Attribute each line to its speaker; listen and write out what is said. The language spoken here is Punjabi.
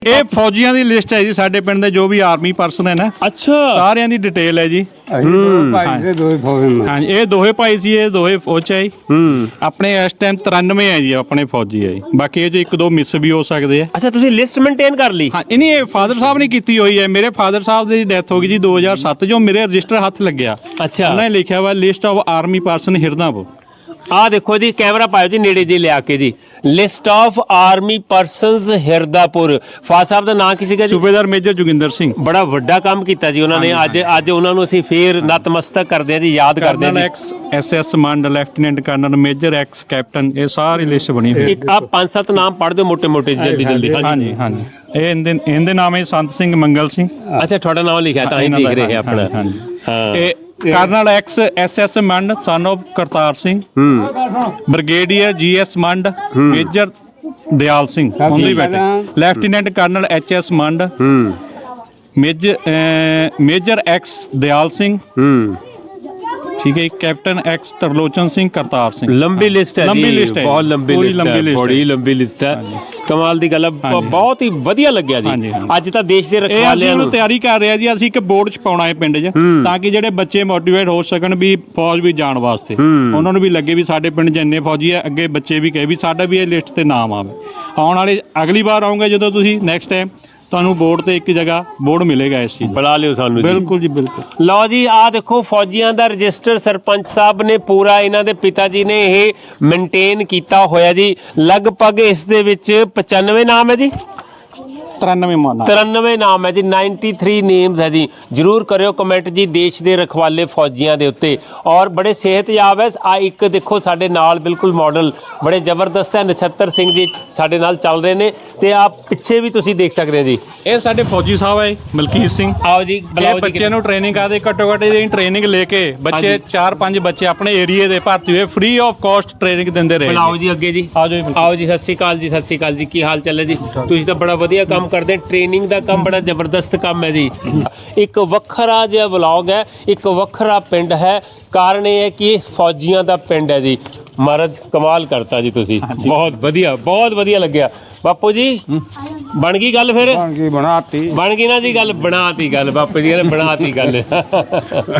Speaker 1: ਇਹ ਫੌਜੀਆਂ ਦੀ ਲਿਸਟ ਹੈ ਜੀ ਸਾਡੇ ਪਿੰਡ ਦੇ ਜੋ ਵੀ ਆਰਮੀ ਪਰਸਨ ਹੈ ਨਾ
Speaker 2: ਅੱਛਾ
Speaker 1: ਸਾਰਿਆਂ ਦੀ ਡਿਟੇਲ ਹੈ ਜੀ। ਹਾਂਜੀ ਇਹ ਦੋਹੇ ਭਾਈ ਸੀ, ਇਹ ਦੋਹੇ ਫੌਜ 'ਚ ਹੈ ਜੀ। ਆਪਣੇ ਇਸ ਟਾਈਮ 93 ਹੈ ਜੀ ਆਪਣੇ ਫੌਜੀ ਹੈ ਜੀ। ਬਾਕੀ ਇਹ 'ਚ ਇੱਕ ਦੋ ਮਿਸ ਵੀ ਹੋ ਸਕਦੇ ਆ।
Speaker 2: ਅੱਛਾ ਤੁਸੀਂ ਲਿਸਟ ਮੇਨਟੇਨ ਕਰ ਲਈ?
Speaker 1: ਹਾਂ ਇਹ ਫਾਦਰ ਸਾਹਿਬ ਨੇ ਕੀਤੀ ਹੋਈ ਹੈ। ਮੇਰੇ ਫਾਦਰ ਸਾਹਿਬ ਦੀ ਡੈਥ ਹੋ ਗਈ ਜੀ 2007 ਜੋ ਮੇਰੇ ਰਜਿਸਟਰ ਹੱਥ ਲੱਗਿਆ।
Speaker 2: ਅੱਛਾ
Speaker 1: ਉਹਨਾਂ ਨੇ ਲਿਖਿਆ ਵਾ list of army person Hirdapur.
Speaker 2: ਆ ਦੇਖੋ ਜੀ ਕੈਮਰਾ ਪਾਇਓ ਜੀ ਨੇੜੇ ਜੀ ਲਿਆ ਕੇ ਜੀ, list of army persons Hirdapur. Father ਸਾਹਿਬ ਦਾ ਨਾਂ ਕੀ ਸੀਗਾ ਜੀ?
Speaker 1: ਸੂਬੇਦਾਰ ਮੇਜਰ ਜੋਗਿੰਦਰ ਸਿੰਘ।
Speaker 2: ਬੜਾ ਵੱਡਾ ਕੰਮ ਕੀਤਾ ਜੀ ਉਹਨਾਂ ਨੇ। ਅੱਜ ਉਹਨਾਂ ਨੂੰ ਅਸੀਂ ਫੇਰ ਨਤਮਸਤਕ ਕਰਦੇ ਹਾਂ ਜੀ, ਯਾਦ ਕਰਦੇ ਹਾਂ ਜੀ।
Speaker 1: Ex SS Mand, lieutenant colonel, major, ex captain, ਇਹ ਸਾਰੀ ਲਿਸਟ ਬਣੀ ਹੋਈ।
Speaker 2: ਇੱਕ ਆ 5-7 ਨਾਮ ਪੜ੍ਹ ਦਿਓ ਮੋਟੇ ਜਲਦੀ ਜਲਦੀ।
Speaker 1: ਹਾਂਜੀ ਹਾਂਜੀ ਇਹ ਇਹਦੇ ਨਾਮ ਹੈ ਸੰਤ ਸਿੰਘ ਮੰਗਲ ਸਿੰਘ।
Speaker 2: ਅੱਛਾ ਤੁਹਾਡਾ ਨਾਮ ਲਿਖਿਆ ਤਾਂ ਹੀ ਦੇਖ ਰਹੇ ਆਪਣਾ।
Speaker 1: ਹਾਂ ਇਹ colonel ex SS Mand son of Kartar Singh, brigadier GS Mand, major Dyal Singh ਉਹਦੇ ਬੇਟੇ, lieutenant colonel HS Mand, major ex Dyal Singh, ਠੀਕ ਹੈ, ਕੈਪਟਨ ਐਕਸ ਤਰਲੋਚਨ ਸਿੰਘ, ਕਰਤਾਰ ਸਿੰਘ।
Speaker 2: ਲੰਬੀ ਲਿਸਟ ਹੈ,
Speaker 1: ਲੰਬੀ ਲਿਸਟ ਹੈ,
Speaker 2: ਬਹੁਤ ਲੰਬੀ ਲਿਸਟ ਹੈ, ਬੜੀ ਲੰਬੀ ਲਿਸਟ ਹੈ। ਕਮਾਲ ਦੀ ਗੱਲ ਹੈ, ਬਹੁਤ ਹੀ ਵਧੀਆ ਲੱਗਿਆ ਜੀ। ਅੱਜ ਤਾਂ ਦੇਸ਼ ਦੇ ਰਖਵਾਲਿਆਂ ਨੂੰ
Speaker 1: ਤਿਆਰੀ ਕਰ ਰਹੇ ਆ ਜੀ। ਅਸੀਂ ਇੱਕ ਬੋਰਡ ਛਪਾਉਣਾ ਹੈ ਪਿੰਡ 'ਚ ਤਾਂ ਕਿ ਜਿਹੜੇ ਬੱਚੇ ਮੋਟੀਵੇਟ ਹੋ ਸਕਣ ਵੀ ਫੌਜ ਵੀ ਜਾਣ ਵਾਸਤੇ। ਉਹਨਾਂ ਨੂੰ ਵੀ ਲੱਗੇ ਵੀ ਸਾਡੇ ਪਿੰਡ 'ਚ ਇੰਨੇ ਫੌਜੀ ਆ, ਅੱਗੇ ਬੱਚੇ ਵੀ ਕਹੇ ਵੀ ਸਾਡਾ ਵੀ ਇਹ ਲਿਸਟ ਤੇ ਨਾਮ ਆਵੇ। ਆਉਣ ਵਾਲੇ ਅਗਲੀ ਵਾਰ ਆਉਂਗੇ ਜਦੋਂ ਤੁਸੀਂ ਨੈਕਸਟ ਟਾਈਮ ਤੁਹਾਨੂੰ ਬੋਰਡ ਤੇ ਇੱਕ ਜਗ੍ਹਾ ਬੋਰਡ ਮਿਲੇਗਾ ਇਸ ਚੀਜ਼।
Speaker 2: ਬੁਲਾ ਲਿਓ ਸਾਨੂੰ।
Speaker 1: ਬਿਲਕੁਲ ਜੀ ਬਿਲਕੁਲ।
Speaker 2: ਲਓ ਜੀ ਆਹ ਦੇਖੋ ਫੌਜੀਆਂ ਦਾ ਰਜਿਸਟਰ ਸਰਪੰਚ ਸਾਹਿਬ ਨੇ ਪੂਰਾ, ਇਹਨਾਂ ਦੇ ਪਿਤਾ ਜੀ ਨੇ ਇਹ ਮੇਨਟੇਨ ਕੀਤਾ ਹੋਇਆ ਜੀ। ਲਗਭਗ ਇਸ ਦੇ ਵਿੱਚ 95 ਨਾਮ ਹੈ ਜੀ। 93 ਨਾਮ ਹੈ ਜੀ। 93 ਨੇਮਸ ਹੈ ਜੀ। ਜਰੂਰ ਕਰਿਓ ਕਮੈਂਟ ਜੀ ਦੇਸ਼ ਦੇ ਰਖਵਾਲੇ ਫੌਜੀਆਂ ਦੇ ਉੱਤੇ। ਔਰ ਬੜੇ ਸਿਹਤਯਾਬ ਹੈ। ਆ ਇੱਕ ਦੇਖੋ ਸਾਡੇ ਨਾਲ ਬਿਲਕੁਲ ਮਾਡਲ ਬੜੇ ਜ਼ਬਰਦਸਤ ਹੈ, ਨਛੱਤਰ ਸਿੰਘ ਜੀ ਸਾਡੇ ਨਾਲ ਚੱਲ ਰਹੇ ਨੇ। ਤੇ ਆ ਪਿੱਛੇ ਵੀ ਤੁਸੀਂ ਦੇਖ ਸਕਦੇ ਹੋ ਜੀ,
Speaker 1: ਇਹ ਸਾਡੇ ਫੌਜੀ ਸਾਹਿਬ ਹੈ ਮਲਕੀਤ ਸਿੰਘ।
Speaker 2: ਆਓ ਜੀ
Speaker 1: ਇਹ ਬੱਚੇ ਨੂੰ ਟ੍ਰੇਨਿੰਗ ਕਰਦੇ, ਘੱਟੋ ਘੱਟ ਇਹਦੀ ਟ੍ਰੇਨਿੰਗ ਲੈ ਕੇ ਬੱਚੇ 4-5 ਬੱਚੇ ਆਪਣੇ ਏਰੀਏ ਦੇ ਭਰਤੀ ਹੋਏ ਫ੍ਰੀ ਆਫ ਕਾਸਟ ਟ੍ਰੇਨਿੰਗ ਦਿੰਦੇ ਰਹੇ।
Speaker 2: ਆਓ ਜੀ ਅੱਗੇ ਜੀ, ਆਓ ਜੀ। ਸਤਿ ਸ਼੍ਰੀ ਅਕਾਲ ਜੀ। ਸਤਿ ਸ਼੍ਰੀ ਅਕਾਲ ਜੀ। ਕੀ ਹਾਲ ਚਾਲ ਹੈ ਜੀ? ਤੁਸੀਂ ਤਾਂ ਬੜਾ ਵਧੀਆ ਕੰਮ ਕਰਦੇ। ਟ੍ਰੇਨਿੰਗ ਦਾ ਕੰਮ ਬੜਾ ਜ਼ਬਰਦਸਤ ਕੰਮ ਹੈ ਜੀ। ਇੱਕ ਵੱਖਰਾ ਜਿਹਾ ਵਲੌਗ ਹੈ, ਇੱਕ ਵੱਖਰਾ ਪਿੰਡ ਹੈ। ਕਾਰਨ ਇਹ ਹੈ ਕਿ ਫੌਜੀਆਂ ਦਾ ਪਿੰਡ ਹੈ ਜੀ। ਮਹਾਰਾਜ ਕਮਾਲ ਕਰਤਾ ਜੀ ਤੁਸੀਂ, ਬਹੁਤ ਵਧੀਆ ਲੱਗਿਆ। ਬਾਪੂ ਜੀ ਬਣ ਗਈ ਗੱਲ? ਫਿਰ ਬਣ ਗਈ ਨਾ ਜੀ ਗੱਲ, ਬਣਾਤੀ ਗੱਲ। ਬਾਪੂ ਜੀ ਨੇ ਬਣਾਤੀ ਗੱਲ।